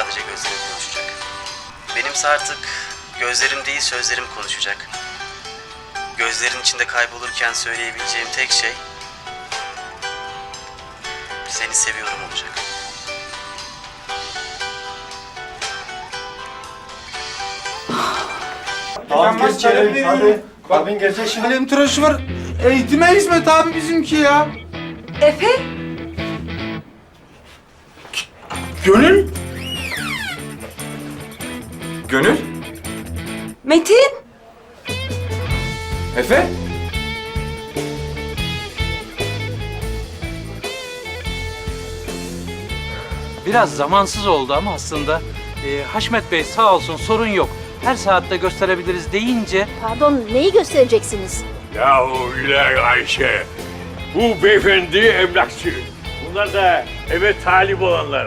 sadece gözlerim konuşacak. Benimse artık gözlerim değil sözlerim konuşacak. Gözlerin içinde kaybolurken söyleyebileceğim tek şey seni seviyorum olacak. Tamam geçelim hadi. Abin gelecek şimdi. Kalem tıraşı var. Eğitime hizmet abi bizimki ya. Efe? Gönül? Gönül? Metin? Efe? Biraz zamansız oldu ama aslında Haşmet Bey sağ olsun sorun yok. Her saatte gösterebiliriz deyince Pardon, neyi göstereceksiniz? Yahu ilahi Ayşe, bu beyefendi emlakçı. Bunlar da eve talip olanlar.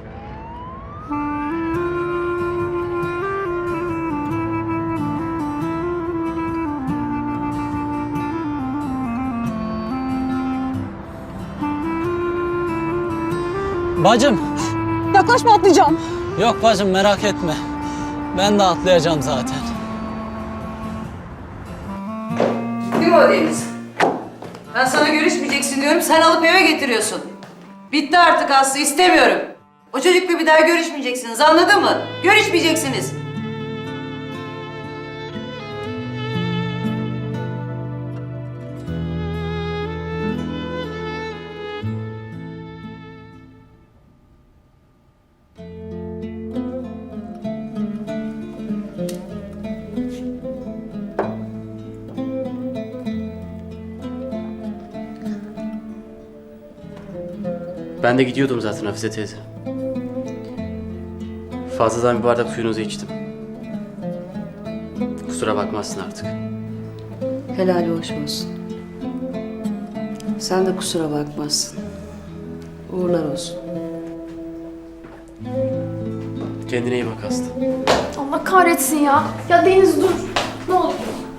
Bacım. Yaklaşma, atlayacağım. Yok bacım merak etme. Ben de atlayacağım zaten. Değil mi o Deniz? Ben sana görüşmeyeceksin diyorum, sen alıp eve getiriyorsun. Bitti artık Aslı, istemiyorum. O çocukla bir daha görüşmeyeceksiniz, anladın mı? Görüşmeyeceksiniz. Ben de gidiyordum zaten Hafize teyze. Fazladan bir bardak suyunuzu içtim. Kusura bakmazsın artık. Helali hoş olsun. Sen de kusura bakmazsın. Uğurlar olsun. Kendine iyi bak Aslı. Allah kahretsin ya. Ya Deniz dur. Ne olur.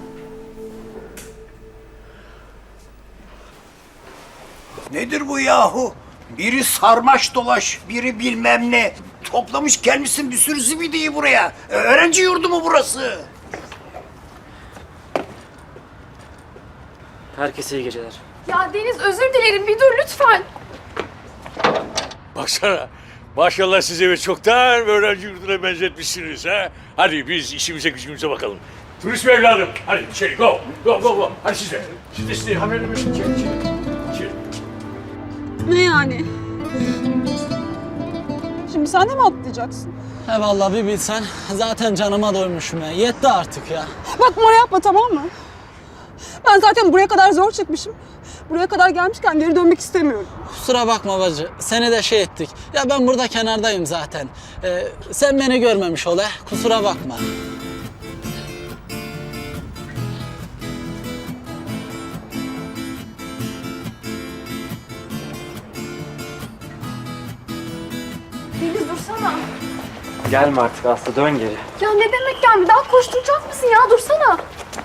Nedir bu yahu? Biri sarmaş dolaş, biri bilmem ne. Toplamış gelmişsin bir sürü zibidiyi buraya. Öğrenci yurdu mu burası? Herkese iyi geceler. Ya Deniz özür dilerim. Bir dur lütfen. Baksana, maşallah siz eve çoktan öğrenci yurduna benzetmişsiniz ha. Hadi biz işimize gücümüze bakalım. Turist mi evladım? Hadi içeri go, go, go, go. Hadi siz de. Siz de haberle içeri, içeri. İçeri. Ne yani? Şimdi sen de mi atlayacaksın? He vallahi bir bilsen zaten canıma doymuşum ya. Yetti artık ya. Bak numara yapma, tamam mı? Ben zaten buraya kadar zor çıkmışım. Buraya kadar gelmişken geri dönmek istemiyorum. Kusura bakma bacı. Seni de şey ettik. Ya ben burada kenardayım zaten. Sen beni görmemiş ol he. Kusura bakma. Deniz dursana. Gelme artık Aslı, dön geri. Ya ne demek gelme? Daha koşturacak mısın ya? Dursana.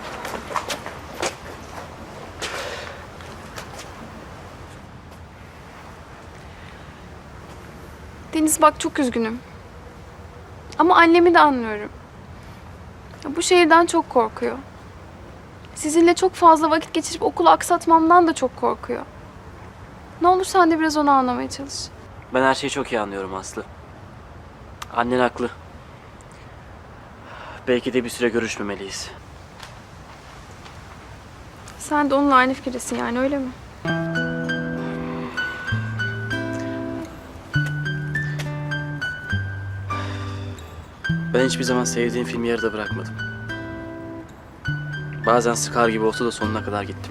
Deniz bak çok üzgünüm. Ama annemi de anlıyorum. Ya, bu şehirden çok korkuyor. Sizinle çok fazla vakit geçirip okulu aksatmamdan da çok korkuyor. Ne olur sen de biraz onu anlamaya çalış. Ben her şeyi çok iyi anlıyorum Aslı. Annen haklı. Belki de bir süre görüşmemeliyiz. Sen de onunla aynı fikirdesin yani öyle mi? Ben hiçbir zaman sevdiğim filmi yarıda bırakmadım. Bazen sıkar gibi olsa da sonuna kadar gittim.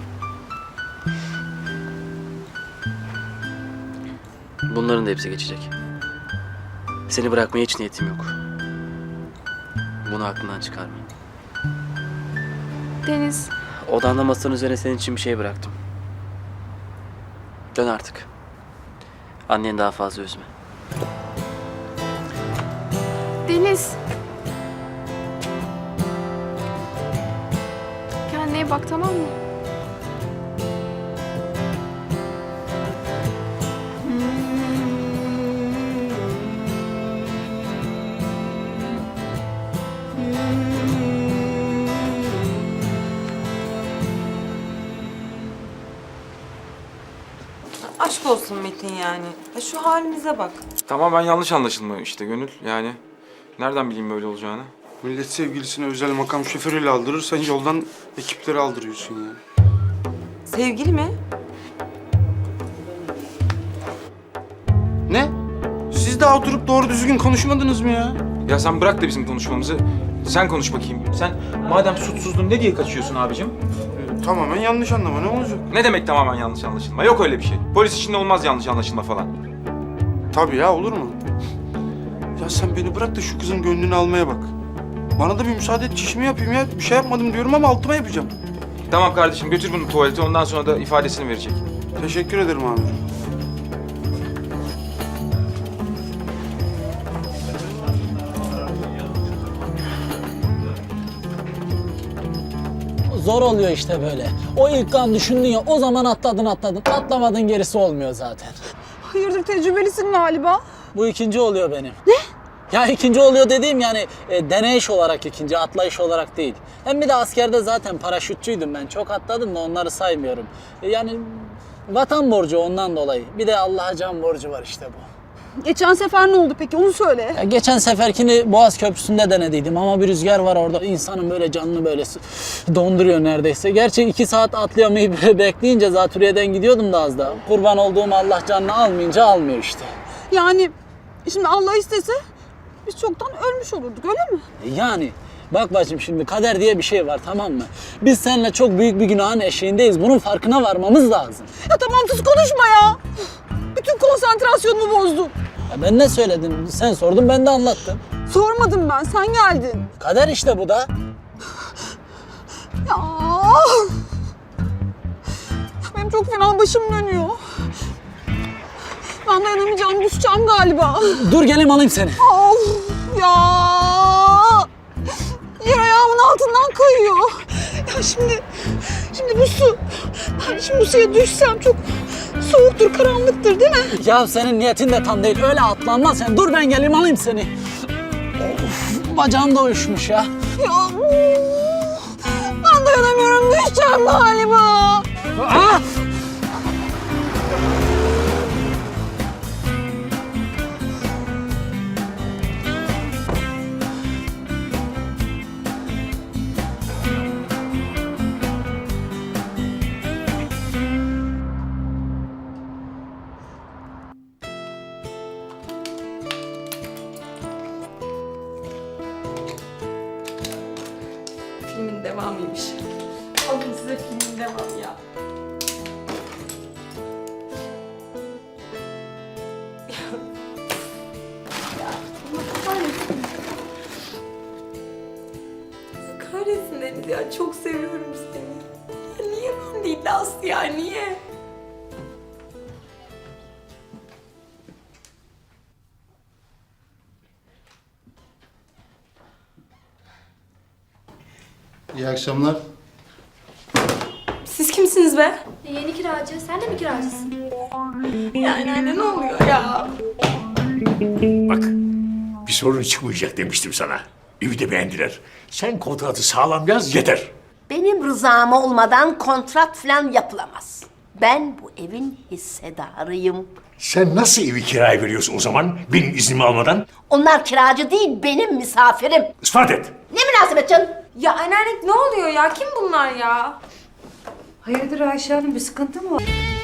Bunların da hepsi geçecek. Seni bırakmaya hiç niyetim yok. Bunu aklından çıkarma. Deniz, Odanda masanın üzerine senin için bir şey bıraktım. Dön artık. Anneni daha fazla üzme. Deniz. Kendine iyi bak tamam mı? Aşk olsun Metin yani. Ya şu halimize bak. Tamamen yanlış anlaşılma işte Gönül. Yani nereden bileyim böyle olacağını? Millet sevgilisine özel makam şoförüyle aldırır, sen yoldan ekipleri aldırıyorsun ya. Sevgili mi? Ne? Siz daha oturup doğru düzgün konuşmadınız mı ya? Ya sen bırak da bizim konuşmamızı. Sen konuş bakayım. Sen madem suçsuzdun ne diye kaçıyorsun abicim? Tamamen yanlış anlama, ne olacak? Ne demek tamamen yanlış anlaşılma? Yok öyle bir şey. Polis içinde olmaz yanlış anlaşılma falan. Tabii ya, olur mu? Ya sen beni bırak da şu kızın gönlünü almaya bak. Bana da bir müsaade et, çişimi yapayım ya. Bir şey yapmadım diyorum ama altıma yapacağım. Tamam kardeşim götür bunu tuvalete ondan sonra da ifadesini verecek. Teşekkür ederim amirim. Zor oluyor işte böyle. O ilk an düşündün ya, o zaman atladın. Atlamadın, gerisi olmuyor zaten. Hayırdır, tecrübelisin galiba. Bu ikinci oluyor benim. Ne? Ya ikinci oluyor dediğim yani deneyiş olarak ikinci, atlayış olarak değil. Hem bir de askerde zaten paraşütçüydüm ben. Çok atladım da onları saymıyorum. Yani vatan borcu ondan dolayı. Bir de Allah'a can borcu var işte bu. Geçen sefer ne oldu peki, onu söyle. Ya geçen seferkini Boğaz Köprüsü'nde denediydim ama bir rüzgar var orada. İnsanın böyle canını böyle donduruyor neredeyse. Gerçi 2 saat atlayamayıp bekleyince zatürreden gidiyordum da az daha. Kurban olduğum Allah canını almayınca almıyor işte. Yani şimdi Allah istese biz çoktan ölmüş olurduk, öyle mi? Yani bak bacım, şimdi kader diye bir şey var, tamam mı? Biz seninle çok büyük bir günahın eşiğindeyiz. Bunun farkına varmamız lazım. Ya tamam, sus konuşma ya. Bütün konsantrasyonumu bozdun. Ya ben ne söyledim? Sen sordun, ben de anlattım. Sormadım ben, sen geldin. Kader işte bu da. Ya. Benim çok fena başım dönüyor. Ben dayanamayacağım, kusacağım galiba. Dur geleyim alayım seni. Of ya. Yer ayağımın altından kayıyor. Ya şimdi bu su. Ben şimdi bu suya düşsem çok soğuktur, karanlıktır değil mi? Ya senin niyetin de tam değil. Öyle atlanmaz sen. Dur ben geleyim alayım seni. Of, bacağım da uyuşmuş ya. Ya ben dayanamıyorum, düşeceğim galiba. Aa! Filmin devamıymış. Alın size filmin devamı ya. Kahretsin Deniz ya, çok seviyorum seni. Ya niye ben değil de Aslı ya, niye? İyi akşamlar. Siz kimsiniz be? Yeni kiracı. Sen de mi kiracısın? Yani anne ne oluyor ya? Bak, bir sorun çıkmayacak demiştim sana. Evi de beğendiler. Sen kontratı sağlam yaz yeter. Benim rızam olmadan kontrat falan yapılamaz. Ben bu evin hissedarıyım. Sen nasıl evi kiraya veriyorsun o zaman benim iznimi almadan? Onlar kiracı değil, benim misafirim. İspat et. Ne münasebet canım? Ya anneanne ne oluyor ya? Kim bunlar ya? Hayırdır Ayşe Hanım, bir sıkıntı mı var?